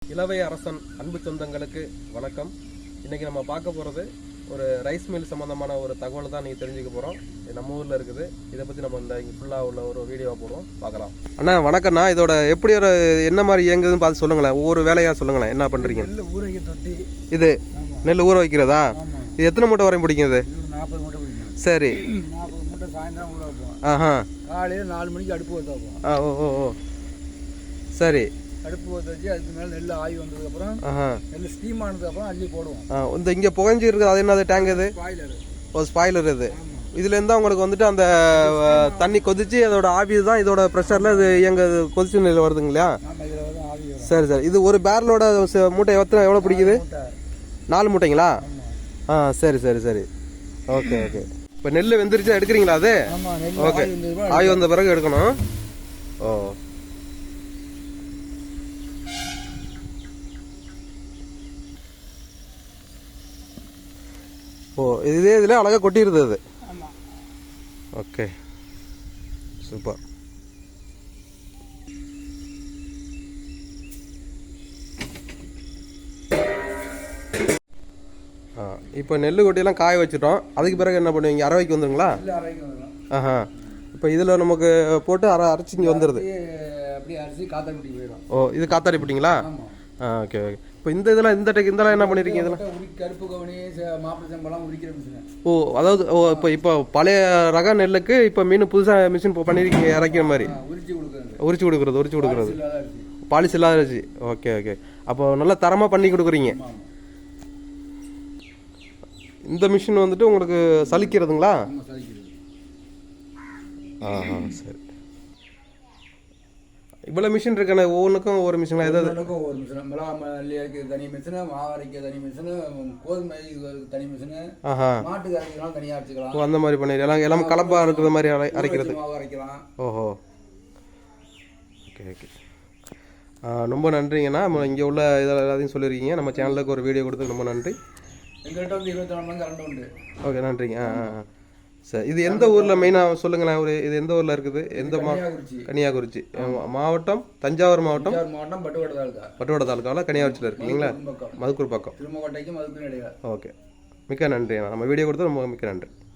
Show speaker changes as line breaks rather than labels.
இளவை அரசன் அன்பு சொந்தங்களுக்கு வணக்கம். இன்றைக்கி நம்ம பார்க்க போகிறது ஒரு ரைஸ் மில் சம்மந்தமான ஒரு தகவல் தான் நீங்கள் தெரிஞ்சுக்க போகிறோம். நம்ம ஊரில் இருக்குது. இதை பற்றி நம்ம இந்த இங்கே ஃபுல்லாக உள்ள ஒரு வீடியோவாக போடுவோம், பார்க்கலாம். அண்ணா வணக்கம்ண்ணா. இதோட எப்படி ஒரு என்ன மாதிரி இயங்குதுன்னு பார்த்து சொல்லுங்களேன். ஒவ்வொரு வேலையாக சொல்லுங்களேன், என்ன பண்ணுறீங்க?
ஊற வைக்க தொட்டி.
இது நெல் ஊற வைக்கிறதா? இது எத்தனை மூட்டை வரையும் பிடிக்கும்? இது
40 மூட்டை பிடிக்கும்.
சரி,
40 மூட்டை சாயந்தரம் ஊற வைப்போம்.
ஆஹா,
காலையில் 4 மணிக்கு அடுப்பு ஊற்ற வைப்போம்.
ஓ சரி.
அடுப்பு ஊற்ற வச்சு அதுக்கு மேலே நெல் ஆகி வந்ததுக்கப்புறம் நெல் ஸ்டீம் ஆனதுக்கப்புறம் அள்ளி போடுவோம்.
இந்த இங்கே புகஞ்சி இருக்குது, அது என்னது டேங்க்? இது
ஸ்பாய்லர்.
ஓ, ஸ்பாய்லர். இது இதுலேருந்து உங்களுக்கு வந்துட்டு அந்த தண்ணி கொதிச்சு அதோட ஆவி தான் இதோட ப்ரெஷரில் இது எங்கள் கொதிச்சு நிலையில் வருதுங்க இல்லையா? சரி சரி. இது ஒரு பேரலோட மூட்டை எவ்வளோ பிடிக்குது? 4 மூட்டைங்களா? சரி சரி சரி. Okay okay. இப்போ நெல் வெந்துருச்சு, எடுக்கிறீங்களா அது? ஓகே, ஆவி வந்த பிறகு எடுக்கணும். ஓ இதே இதில் அழகாக கொட்டிடுது அது. Okay, super. இப்போ நெல் கொட்டியெல்லாம் காய வச்சுட்டோம். அதுக்கு பிறகு என்ன பண்ணுவீங்க? அரவைக்கு வந்துடுங்களா? ஆஹா. இப்போ இதில் நமக்கு போட்டு அரைச்சி இங்கே வந்துடுது. ஓ, இது காத்தாடி போட்டிங்களா? Okay okay. இப்போ இந்த இதெல்லாம் இதெல்லாம் என்ன பண்ணியிருக்கீங்க? இதெல்லாம்
கருப்பு கவனி, மாப்பிளை சம்பளம் உரிக்கிற மிஷின்.
ஓ, அதாவது இப்போ பழைய ரக நெல்லுக்கு இப்போ மீன் புதுசாக மிஷின் பண்ணியிருக்கீங்க, இறக்கிற மாதிரி. உரிச்சு கொடுக்குறது பாலிசி இல்லாத அரிசி. Okay okay. அப்போ நல்லா தரமாக பண்ணி கொடுக்குறீங்க. இந்த மிஷின் வந்துட்டு உங்களுக்கு சலிக்கிறதுங்களா? சரி. இவ்வளோ மிஷின் இருக்கானே, ஒவ்வொன்றுக்கும் ஒவ்வொரு மிஷின். ஏதாவது
ஒவ்வொரு மிஷின். மிளகா மல்லி அரைக்க தனி மிஷினு, மாவு அரைக்க தனி மிஷினு, கோதுமை தனி மிஷினு, மாட்டுக்கு அரைக்கலாம், தனியாக அரைச்சிக்கலாம்.
ஓ, அந்த மாதிரி பண்ணிடலாம். எல்லாம் கலப்பாக இருக்கிற மாதிரி அரைக்கிறது.
மாவு அரைக்கலாம்.
ஓஹோ, ஓகே ஓகே. ரொம்ப நன்றிங்கண்ணா. நம்ம இங்கே உள்ள இதெல்லாம் எல்லாத்தையும் சொல்லியிருக்கீங்க. நம்ம சேனலுக்கு ஒரு வீடியோ கொடுத்து ரொம்ப நன்றி.
எங்கள்கிட்ட வந்து 24 மணி கரண்ட் உண்டு. ஓகே,
நன்றிங்க. சரி, இது எந்த ஊரில் மெயினாக சொல்லுங்களேன். இது எந்த ஊரில் இருக்குது? எந்த கன்னியாகுறிச்சி மாவட்டம், தஞ்சாவூர் மாவட்டம், பட்டுவட தாலுக்காவில் கன்னியாகுறிச்சியில் இருக்கு இல்லைங்களா? மதுக்கூர் பக்கம்.
திருமங்கோட்டைக்கு மதுக்கூர் இடையில.
ஓகே, மிக்க நன்றி. நம்ம வீடியோ கொடுத்து ரொம்ப மிக்க நன்றி.